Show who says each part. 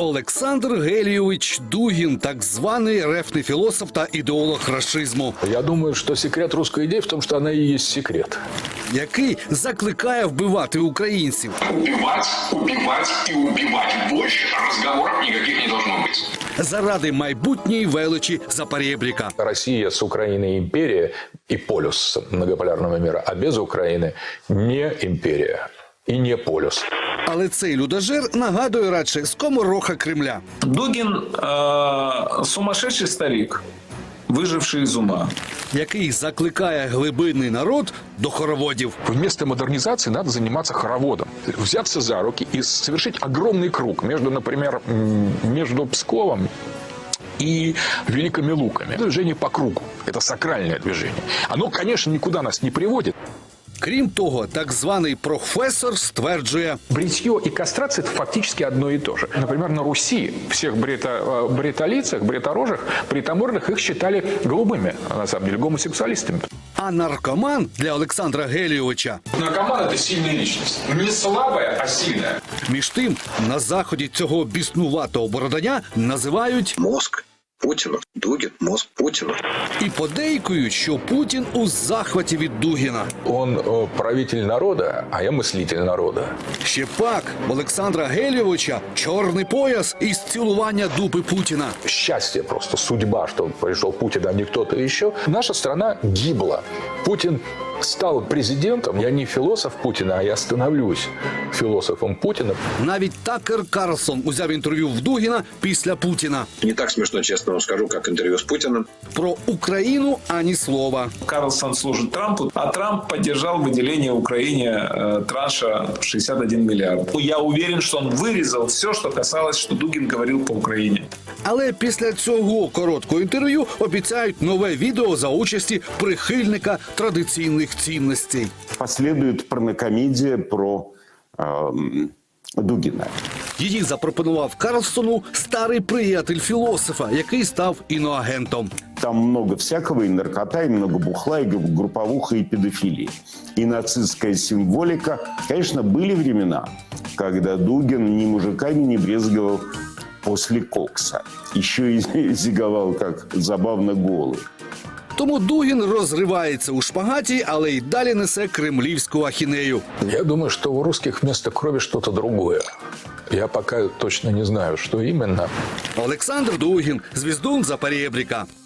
Speaker 1: Олександр Гелійович Дугін, так званий рефний філософ та ідеолог рашизму,
Speaker 2: Я думаю, что секрет русской идеи в том, что она и есть секрет.
Speaker 1: який закликає вбивати українців.
Speaker 3: Убивать, убивать и убивать. Больше разговоров никаких не должно быть.
Speaker 1: Заради майбутньої величі Запорєбріка.
Speaker 2: Россия с Украиной империя и полюс многополярного мира, а без Украины не империя и не полюс.
Speaker 1: Але цей людожер нагадує радше скомороха Кремля.
Speaker 4: Дугин сумасшедший старик, выживший из ума.
Speaker 1: Який закликає глибинний народ до хороводів.
Speaker 5: Вместо модернизации надо заниматься хороводом. Взяться за руки и совершить огромный круг между, например, между Псковом и Великими Луками. Движение по кругу. Это сакральное движение. Оно, конечно, никуда нас не приводит.
Speaker 1: Крім того, так званий професор стверджує,
Speaker 5: Бритье и кастрация – это фактически одно и то же. Например, на Руси всех бритолицах, бриторожих, бритомордых их считали голубыми, а на самом деле гомосексуалистами.
Speaker 1: а наркоман для Олександра Гелійовича.
Speaker 3: Наркоман – это сильная личность. Не слабая, а сильная.
Speaker 1: Між тим, на заході цього біснуватого бородання називають
Speaker 6: Мозг Путина. Дугин – мозг Путина.
Speaker 1: і подейкують, що Путін у захваті від Дугіна.
Speaker 2: Он правитель народа, а я мыслитель народа.
Speaker 1: Ще пак в Олександра Гелійовича чорний пояс із цілування дупи Путіна.
Speaker 2: Счастье просто, судьба, что пришел Путин, а не кто-то еще. Наша страна гибла. Путин стал президентом. Я не философ Путина, а я становлюсь философом Путина.
Speaker 1: Навіть Такер Карлсон узяв інтерв'ю в Дугіна після Путіна.
Speaker 6: Не так смешно, честно вам скажу, как интервью с Путиным.
Speaker 1: Про Україну ані слова.
Speaker 4: Карлсон служит Трампу, а Трамп поддержал выделение Украине транша 61 миллиард. Я уверен, что он вырезал все, что касалось, что Дугин говорил по Украине.
Speaker 1: Але після цього короткого інтерв'ю обіцяють нове відео за участі прихильника традиційних цінностей.
Speaker 7: Последует порнокомедия про Дугина.
Speaker 1: Її запропонував Карлсону старий приятель філософа, який став іноагентом.
Speaker 7: Там много всякого, и наркота, и много бухла, и групповуха, и педофилии. И нацистская символика. Конечно, были времена, когда Дугин ни мужиками не брезговал после кокса. Еще и зиговал, как забавно голый.
Speaker 1: Тому Дугін розривається у шпагаті, але й далі несе кремлівську ахінею.
Speaker 2: Я думаю, что у русских вместо крови что-то другое. Я пока точно не знаю, что именно.
Speaker 1: Олександр Дугін, Звіздун Запорєбріка.